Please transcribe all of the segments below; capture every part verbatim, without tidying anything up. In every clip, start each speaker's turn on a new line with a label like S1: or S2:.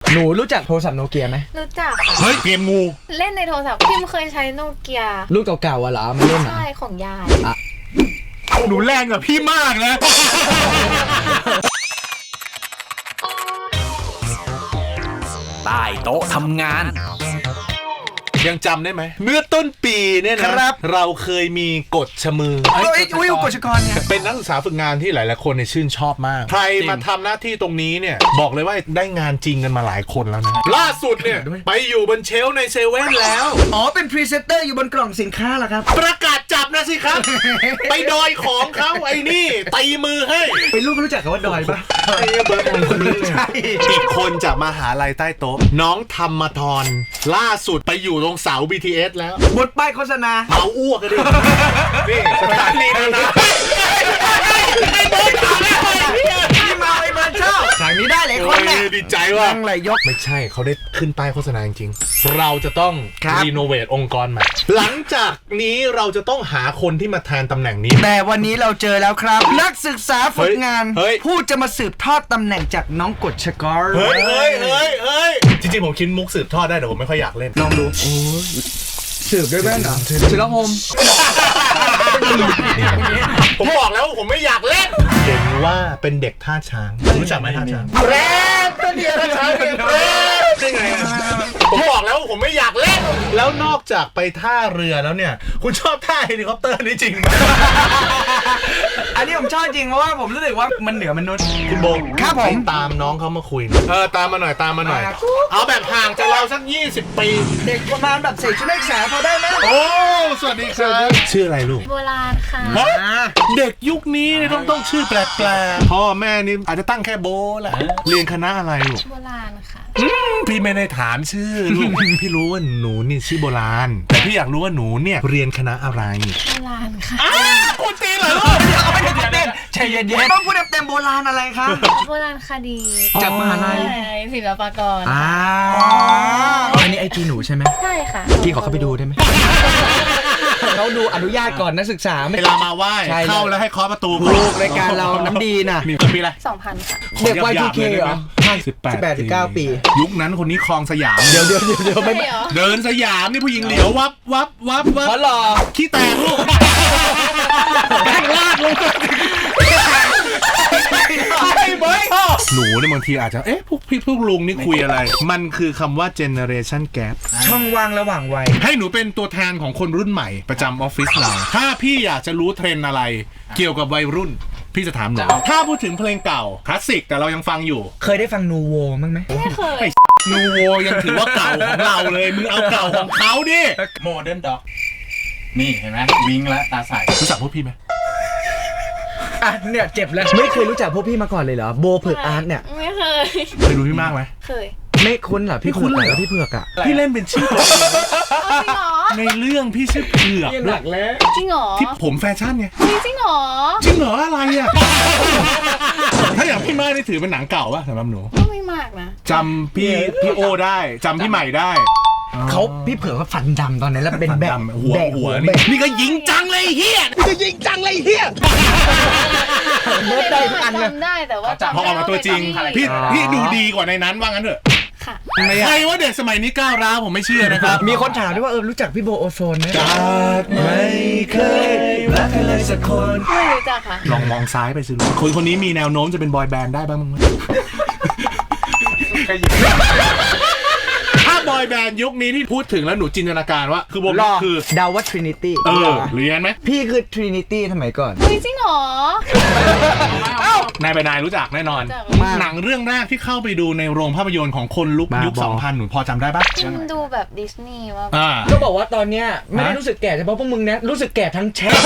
S1: หนูรู้จักโทรศัพท์โนเกียไหม
S2: รู้จักค่ะ
S3: เฮ้ยเกมงู
S2: เล่นในโทรศัพท์พิมเคยใช้โนเกีย
S1: รุ่นเก่าๆอะเหรอมาเล่นอ่ะ
S2: ใช่ของยาย
S3: หนูแรงกว่าพี่มากนะ
S4: ใต้โต๊ะทำงาน
S3: ยังจำได้ไหมเมื่อต้นปีเนี่ยนะครับเราเคยมีกฎชมือ
S1: เอ้ยอุ้ยกฎชกรเนี่ย
S3: เป็นนักศึกษาฝึกงานที่หลายๆคนเนี่ยชื่นชอบมากใครมาทำหน้าที่ตรงนี้เนี่ยบอกเลยว่าได้งานจริงกันมาหลายคนแล้วนะล่าสุดเนี่ยไปอยู่บนเชลฟ์ในเซเว่นแล้ว
S1: อ๋อเป็นพรีเซนเตอร์อยู่บนกล่องสินค้าเหรอครับ
S3: ประกาศจับนะสิครับ ไปดอยของเขาไอ้นี่ตีมือให้
S1: ไปลูกรู้จักกับว่าดอยปะ
S3: ไอ้เบิร์ดคนนี้ใช่อีกคนจากมหาลัยใต้โต๊ะน้องธรรมธรล่าสุดไปอยู่ตรงเสา บี ที เอส แล้ว
S1: บนป้ายโฆษณา
S3: เมาอ้วกกันดินี่สถานีนะไอ้เบิร์ดถาม
S1: พี่เมาไอ้เบิร์ดชอบฉากนี้ได้เลยคนเนี่ย
S3: ดีใจว่ะ
S1: ไหลยก
S3: ไม่ใช่เขาได้ขึ้นป้ายโฆษณาจริงๆเราจะต้องรีโนเวทองค์กรใหม่หลังจากนี้เราจะต้องหาคนที่มาแทนตำแหน่งนี้
S1: แต่วันนี้เราเจอแล้วครับนักศึกษาฝึกงานผู้จะมาสืบทอดตำแหน่งจากน้องกฎชกร
S3: เฮ้ยเฮ้ยเฮ้ยเฮ้ยจริงๆผมคิดมุกสืบทอดได้แต่ผมไม่ค่อยอยากเล่น
S1: ลองดูสืบด้วยแว่นเหรอศิลปม
S3: ผมบอกแล้วผมไม่อยากเล่นเห็นว่าเป็นเด็กท่าช้างรู้จักไหมท่าช้างแรดตัวเดียวท่าช้างแรดได้ไงผมบอกแล้วผมไม่อยากเล่นแล้วนอกจากไปท่าเรือแล้วเนี่ยคุณชอบท่าเฮลิคอปเตอร์นี่จริงไหม
S1: อันนี้ผมชอบจริงเพราะว่าผมรู้สึกว่ามันเหนือมนุษย์
S3: คุณโบ
S1: ครับผม
S3: ตามน้องเขามาคุยเออตามมาหน่อยตามมาหน่อยเอาแบบห่างจากเราสักยี่สิบปี
S1: เด็กประมาณแบบใส่ชุดนักศึกษาพอได้ไหม
S3: โอ้สวัสดีครับชื่ออะไรลูก
S2: โบราณค่ะ
S3: เด็กยุคนี้ต้องต้องชื่อแปลกๆพ่อแม่นี่อาจจะตั้งแค่โบแหละเรียนคณะอะไรลูก
S2: โบราณค่ะ
S3: พี่ไม่ได้ถามชื่อลูกพี่รู้ว่าหนูนี่ชื่อโบราณแต่พี่อยากรู้ว่าหนูเนี่ยเรียนคณะอะไร
S2: โบราณค่ะ
S3: คุณตีเหรอลูก
S1: ไม่ได้เต้นใจเย็นๆต้องพูดเต็มโบราณอะไรคะ
S2: โบราณคดี
S1: จากมหาลัย
S2: ศิลปากร
S1: อ่าอันนี้ไอจีหนูใช่ไหม
S2: ใช่ค่ะ
S1: พี่ขอเข้าไปดูได้ไหมเขาดูอนุญาตก่อนนักศึกษา
S3: เวลามาไหว้เข้าแล้วให้เคาะประตู
S1: ลูกรายการเราน้ำดีน่ะ
S3: มีปีอะไร
S2: สองพันค่ะ
S1: เด็กวัย ทู เค เหรอ
S3: สิบแปด
S1: สิบแปดถึงเก้าปี
S3: ยุคนั้นคนนี้คลองสยาม
S1: เดี๋ยวเดี๋ยวเดี๋ยวไม่
S3: เดินสยามนี่ผู้หญิงเหลียววับวับวับวับ
S1: เพราะหล่อ
S3: ขี้แตกลูกแบงลากลงหนูเนี่ยบางทีอาจจะเอ๊ะพวกพี่พวกลุงนี่คุยอะไรมันคือคำว่า generation gap
S1: ช่องว่างระหว่างวัย
S3: ให้หนูเป็นตัวแทนของคนรุ่นใหม่ประจำออฟฟิศเราถ้าพี่อยากจะรู้เทรนด์อะไรเกี่ยวกับวัยรุ่นพี่จะถามหนูถ้าพูดถึงเพลงเก่าคลาสสิกแต่เรายังฟังอยู่
S1: เคยได้ฟังนูโวมั้งไหม
S2: ไม่เคย
S3: นูโวยังถือว่าเก่าของเราเลยมึงเอาเก่าของเขาดิ
S4: โมเดิร์นด็อกนี่เห็นไหมวิงและตาใส
S3: รู้จักพวกพี่ไหม
S1: อ่ะเนี่ยเจ็บแล้วไม่เคยรู้จักพวกพี่มาก่อนเลยเหรอโบเผือกอาร์ตเนี่ย
S2: ไม่เคย
S3: เคยดูพี่มากไหม
S2: เคย
S1: ไม่คุ้นเหรอพี่คุ้นเหรอพี่เผือกอ่ะ
S3: พี่เล่นเป็นชื่อตัวเองในเรื่องพี่ชื่อเผือก
S1: หลักแล้ว
S2: จริงเหรอ
S3: ที่ผมแฟชั่นไง
S2: จริงเหรอ
S3: จริงเหรออะไรอ่ะถ้าอย่างพี่มากนี่ถือเป็นหนังเก่าป่ะสำหรับหนู
S2: ก็ไม่มากนะ
S3: จำพี่พี่โอได้จำพี่ใหม่ได้
S1: เขาพี่เผือกเขาฟันดำตอนนั้นแล้วเป็นแบบ
S3: หัวหัวนี่นี่ก็ยิงจังเลยเฮียนี่ก็ยิงจังเลยเฮีย
S2: เมื่อได้อันจำได้แต่ว่า
S3: พอออกมาตัวจริงพี่พี่ดูดีกว่าในนั้นว่างั้นเถอะใครว่าเด็กสมัยนี้ก้าวร้าวผมไม่เชื่อนะครับ
S1: มีคนถามด้วยว่าเออรู้จักพี่โบโอโซนไหมจากไม่เคยรักใครเลยสักคน
S2: ไม่รู้จักค่ะ
S3: ลองมองซ้ายไปสิคนคนนี้มีแนวโน้มจะเป็นบอยแบนด์ได้บ้างมั้ยถ้าบอยแบนด์ยุคนี้ที่พูดถึงแล้วหนูจินตนาการว่าคือวงคือ
S1: ดาวว่า Trinity
S3: เออเรียนไหม
S1: พี่คือ Trinity สมัยก่อน
S2: จริงเหรอ
S3: นายไปนายรู้จักแน่นอนหนังเรื่องแรกที่เข้าไปดูในโรงภาพยนตร์ของคนลุกยุค สองพัน หนูพอจำได้ปะ
S2: ดูแบบดิสนีย์ว่า
S1: ก็บอกว่าตอนเนี้ยไม่ได้รู้สึกแก่เฉพาะพวกมึงนะรู้สึกแก่ทั้งแชท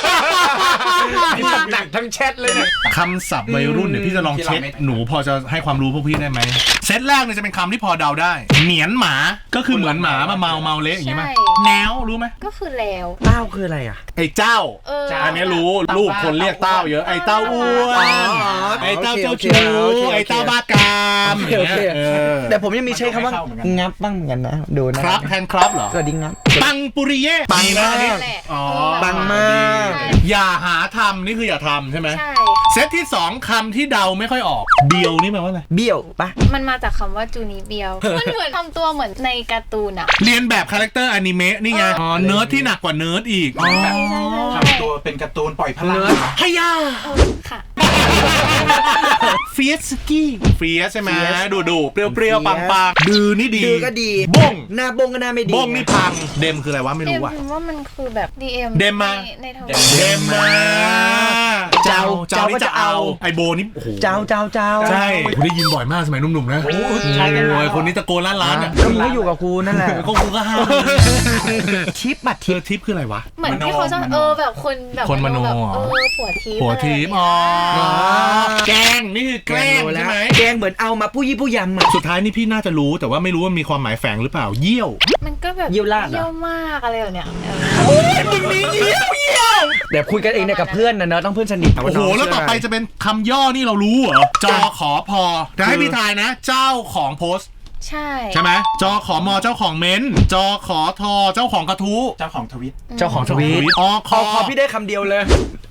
S1: หนักทั้งแชทเลยนะ
S3: คำศัพท์วัยรุ่นเดี๋ยวพี่จะลองเช็คหนูพอจะให้ความรู้พวกพี่ได้ไหมเซตแรกเนี่ยจะเป็นคำที่พอเดาได้เหนียนหมาก็คือเหมือนหมามาเมาเมาเละอย่างงี้มั้ยแนวรู้ไหม
S2: ก็คือแล้ว
S1: เต้าคืออะไรอ่ะ
S3: ไอ้เจ้าอันนี้รู้ลูกคนเรียกเต้าเยอะไอ้เต้าอ้วนไอ้เต้าเจ้าชู้ไอ้เต้าบ้ากาม
S1: แต่ผมยังมีใช้คำว่างับบ้างเหมือนกันนะดูนะครับ
S3: แทนครับเหรอ
S1: ก็ดิ้งงับ
S3: ปังปุริเย่
S1: ปังมาก
S3: อ๋อ
S1: ปังมาก
S3: อย่าหาทำนี่คืออย่าทำใช่ไหม
S2: ใช่
S3: เซตที่สองคำที่เดาไม่ค่อยออกเบียวนี่แปลว่าอะไร
S1: เบี้ยวปะ
S2: มันมาจากคำว่าจูนิเบียวมันเหมือนทำตัวเหมือนในการ์ตูนอะ
S3: เรียนแบบคาแรคเตอร์อนิเมะนี่ไงอ๋อเนิร์ดที่หนักกว่าเนิร์ดอีก
S2: ใช่ใช่ใช่
S4: ทำตัวเป็นการ์ตูนปล่อยพลัง
S3: ฮยา
S2: ค่ะ
S3: เฟียสกี้เฟียสใช่ไหมดูดูเปรี้ยวเปรี้ยวปังปังดือนี่ดี
S1: ดือก็ดี
S3: บ้ง
S1: หน้าบงก็หน้าไม่ดี
S3: บ้งนี่พังเดมคืออะไรวะไม่
S2: เด
S3: รู้
S2: ม
S3: ว่ะ
S2: พิมว่ามันคือแบบ ดี เอ็ม
S3: เดมมา
S2: ในในทวิต
S3: เดมมา
S1: เจ้า
S3: เจ้านี่จะเอาไอโบนี่โอ้โห
S1: เจ้าเจ้าเจ้า
S3: ใช่ผมได้ยินบ่อยมากสมัยหนุ่มๆนะ
S4: ใช่กัน
S3: โอ้ยคนนี้ตะโกนล้านล้านอ่ะ
S1: ก็มึงก็อยู่กับกูนั่นแหละ
S3: ก็กูก็ห้าม
S1: ชิปบัตร
S3: เธ
S1: ทิป
S3: อทิปคืออะไรวะ
S2: เหมือนที่เขาชอบเออแบบคนแบบ
S3: คนมโน
S2: แบบ
S3: เหรอ
S2: เออผัวทิพย์
S3: หัวทิป
S2: อะไร
S3: อ๋อ
S2: แบบเนี้ย
S3: แกล้งนี่คือแกล้งใช่ไหม
S1: แกงเหมือนเอามาผู้ยี่ผู้ยำอ่ะ
S3: สุดท้ายนี่พี่น่าจะรู้แต่ว่าไม่รู้ว่ามีความหมายแฝงหรือเปล่าเยี่ยว
S2: มันก็แบบ
S1: เยี่ยวลาดเหรอ
S2: เยี่ยวมากอะไรแบบเนี้ยเออ
S3: โอ้ยมึงนี่เยี่ยวเยี่ยว
S1: เดี๋ยวคุยกันเองเนี่ยกับเพื่อนนะเนอะต้องเพื่อนสนิท
S3: โอ้โหแล้วต่อไปจะเป็นคำย่อนี่เรารู้เหรอจอขอพอจะให้พี่ทายนะ เจ้าของโพสต์
S2: ใช่
S3: ใช่ไหมจอขอมอเจ้าของเม้นท์จอขอทอเจ้าของกระทู้
S4: เจ้าของทวิต
S1: เจ้าของทวีต
S3: อค
S1: ขอขอพี่ได้คำเดียวเลย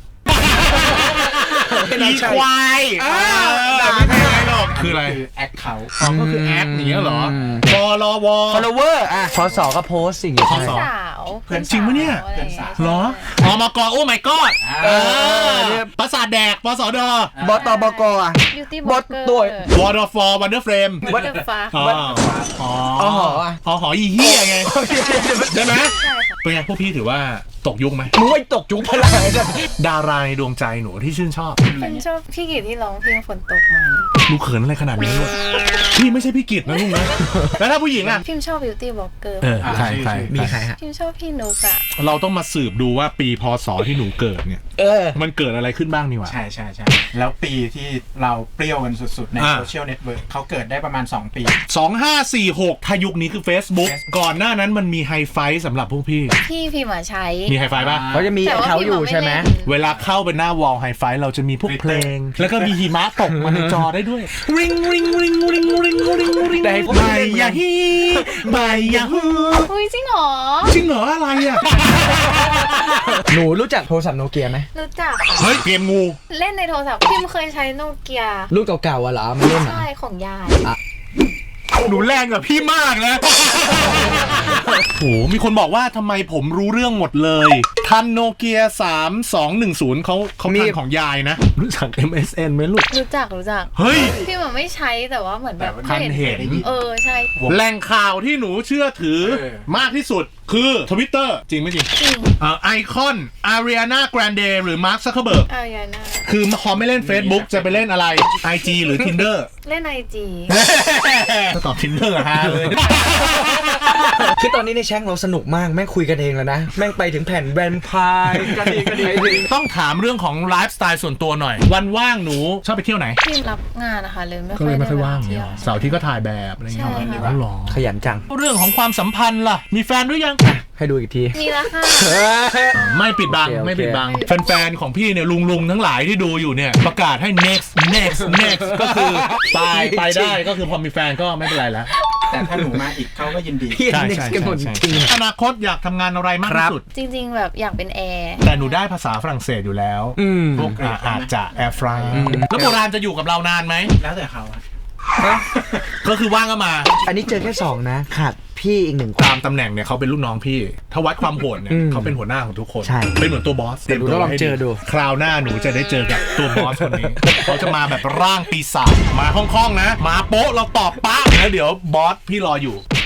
S3: อีควาย
S1: อ่า
S3: เออไม่ใช่อะไรหรอกคืออะไร
S4: คือแอคเคาท์
S3: อ๋อก็คือแอคอย่างเงี้ยเหรอ
S1: อืม
S3: บลว
S1: follower อ่ะพศก็โพสสิ่งอย่าง
S3: พ
S1: เงี้ย
S3: ศ
S2: สาว
S3: เพื่อนจริงปะเนี่ย
S2: พื่อสาว
S3: เหรออมกโอ้ my god
S1: เอ
S3: เอ
S1: อ
S3: อประสาทแดกปสด
S1: บตบกอ่ะ
S2: บิวตี้
S1: บบ อ
S2: ล็อ
S1: ท
S2: กเกอร์
S1: ตัว
S3: วอร์ดฟอร์วันเดอร์เฟรม
S2: วัตเตอร์ฟ้า
S3: อ๋ออ๋อ
S1: อ๋อหออ่ะ
S3: อ๋อหออีเหี้ยไงใช่ไหม
S2: ใช่ค่ะ
S3: เป็นไงพวกพี่ถือว่าตกยุคไหม
S1: มึงไม่ตกจุกพลังไอ้สัส
S3: ดาราในดวงใจหนูที่ชื่นชอบ
S2: พิมชอบพี่กิตที่ร้องเพลงฝนตกไหม
S3: ลูกเขินอะไรขนาดนี้ลูกพี่ไม่ใช่พี่กิตนะลูกนะแล้วถ้าผู้หญิงอ่ะ
S2: พิมชอบบิวตี้บล็อกเกอร์
S3: เออใครใคร
S1: มีใครฮะ
S2: พิมชอบพี่นุกอะ
S3: เราต้องมาสืบดูว่าปีพศที่หนูเกิดเนี่ย
S1: เออ
S3: มันเกิดอะไรขึ้นบ้างนี่หว่า
S4: ใช่ใช่ใช่แล้วปีที่เราเปรี้ยวกันสุดๆ ใน
S3: อ่า
S4: โซเชียลเน็ตเวิร์กเขาเกิดได้ประมาณ สอง ปี
S3: สองห้าสี่หกถ้ายุคนี้คือ Facebook ก่อนหน้านั้นมันมีไฮไฟสำหรับพวกพี่
S2: พี่พิมอะใช้
S3: มีไฮไฟป่ะ
S1: เขาจะมี
S2: แต่ว่า
S1: เขาอยู่ใช่ไหม
S2: พิมอะไม่เล่น
S3: เวลาเข้าไปหน้าวอลไฮไฟเราจะมีพวกเพลง แล้วก็มีหิมะตกมาในจอได้ด้วยริงริงริงริงริงริงริง
S1: แต่ให้พวก
S3: ใบ
S1: พี่เล่น
S3: ยาฮีใบยาฮู
S2: อุ้ยจริงเหรอ
S3: จริงเหรออะไรอ่ะ
S1: หนูรู้จักโทรศัพท์โนเกียไหม
S2: รู้จักค่ะ
S3: เฮ้ยเกมงู
S2: เล่นในโทรศัพท์พิมเคยใช้โนเกีย
S1: รุ่นเก่าๆอ่ะเหรอมาเล่นอ่ะ
S2: ใช่ของยาย
S3: หนูแรงกับพี่มากนะ โหมีคนบอกว่าทำไมผมรู้เรื่องหมดเลย ทันโนเกียสามสองหนึ่งศูนย์เขาเขาทันของยายนะ รู้จัก เอ็ม เอส เอ็น ไหมลูก
S2: รู้จักรู้จัก
S3: เฮ้ย
S2: พิมอะไม่ใช้แต่ว่าเหมือนแบบ
S3: ทันเห็น
S2: เออใช่
S3: แหล่งข่าวที่หนูเชื่อถือ
S4: เออ
S3: มากที่สุดคือทวิตเตอร์จริงไม่จริง
S2: จริง
S3: เอ่อไอคอนอารีนาแกรนเดหรือมาร์คซักเคอร์เบิร์ก
S2: อายาน่า
S3: คือพอไม่เล่น Facebook จะไปเล่นอะไร ไอ จี หรือ Tinder
S2: เล่นไอจี
S3: ถ้าตอบ Tinder ฮะเลย
S1: คือตอนนี้ในแช่งเราสนุกมากแม่งคุยกันเองแล้วนะ แม่งไปถึงแผ่นแวนพายกันเองกันเอง
S3: ต้องถามเรื่องของไลฟ์สไตล์ส่วนตัวหน่อย วันว่างหนูชอบไปเที่ยวไหน
S2: พิมรับงานนะคะเลยไม่
S3: ก็เลยไม่ค่อยว่าง
S2: ได้
S3: เนี่ย
S2: เที่ยว
S3: เสาร์อาที่ก็ถ่ายแบบอะไรเงี้ย
S2: ใช่ค่ะ
S3: อ๋อเหรอ
S1: ขยันจัง
S3: เรื่องของความสัมพันธ์ล่ะ มีแฟนหรือยัง
S1: ให้ดูอีกที
S2: มีแล้วค่ะ
S3: ไม่ปิดบัง
S1: โอเคโอเค
S3: ไม่ปิดบัง แฟนๆ ของพี่เนี่ยลุงลุงๆทั้งหลายที่ดูอยู่เนี่ย ประกาศให้ next next next ก็คือตายไปได้ก็คือพอมีแฟนก็ไม่เป็นไรแล้ว
S4: แต่ถ้าหนูมาอีกเขาก็ยินดี
S1: พี่เน็กซ์กันหมดจริง
S3: อนาคตอยากทำงานอะไรมากที่สุด
S2: จริงๆแบบอยากเป็นแอร์
S3: แต่หนูได้ภาษาฝรั่งเศสอยู่แล้ว
S1: อืม
S3: พวกอ่ะอาจจะแอร์ฟรายแล้วโบราณจะอยู่กับเรานานไหม
S4: แล้วแต่เขาอะ
S3: ก็คือว่างก็มา
S1: อันนี้เจอแค่สองนะขาดพี่อีกหนึ่งคน
S3: ตามตำแหน่งเนี่ยเขาเป็นลูกน้องพี่ ถ้าวัดความโหดเนี่ย
S1: อืม
S3: เขาเป็นหัวหน้าของทุกคน
S1: ใช่
S3: เป็นเหมือนตัวบอส
S1: เดี๋ยวหนูต้องลองเจอดู
S3: คราวหน้าหนูจะได้เจอกับตัวบอสคนนี้ เขาจะมาแบบร่างปีศาจมาคล่องๆนะ มาโป๊ะเราตอบป๊ะแล้วเดี๋ยวบอสพี่รออยู่